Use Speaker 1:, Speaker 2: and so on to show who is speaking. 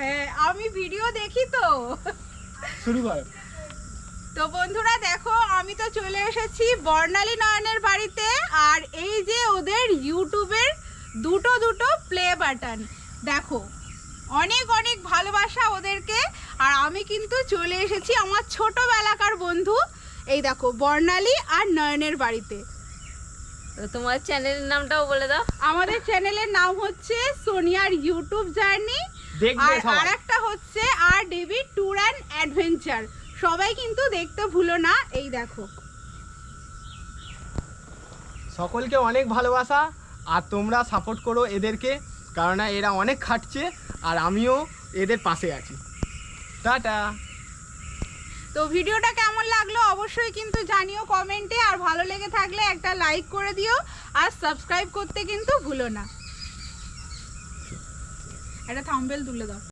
Speaker 1: হ্যাঁ আমি ভিডিও দেখি তো।
Speaker 2: শুরু করো।
Speaker 1: তো বন্ধুরা দেখো আমি তো চলে এসেছি বর্ণালী নয়নের বাড়িতে, আর এই যে ওদের ইউটিউবের দুটো প্লে বাটন দেখো, অনেক অনেক ভালোবাসা ওদেরকে। আর আমি কিন্তু চলে এসেছি আমার ছোটবেলাকার বন্ধু, এই দেখো বর্ণালী আর নয়নের বাড়িতে।
Speaker 3: তো তোমার চ্যানেলের নামটাও বলে দাও।
Speaker 1: আমাদের চ্যানেলের নাম হচ্ছে সোনিয়ার ইউটিউব জার্নি,
Speaker 2: দেখবে
Speaker 1: আর
Speaker 2: সবাই।
Speaker 1: আরেকটা হচ্ছে RDB ট্যুর অ্যান্ড অ্যাডভেঞ্চার। সবাই কিন্তু দেখতে ভুলো না। এই দেখো
Speaker 2: সকলকে অনেক ভালোবাসা, আর তোমরা সাপোর্ট করো এদেরকে, কারণ এরা অনেক খাটছে আর আমিও এদের পাশে আছি। টাটা।
Speaker 1: তো ভিডিওটা কেমন লাগলো অবশ্যই কিন্তু জানিও কমেন্টে, আর ভালো লেগে থাকলে একটা লাইক করে দিও, আর সাবস্ক্রাইব করতে কিন্তু ভুলো না। একটা থাম্বনেল তুলে দাও।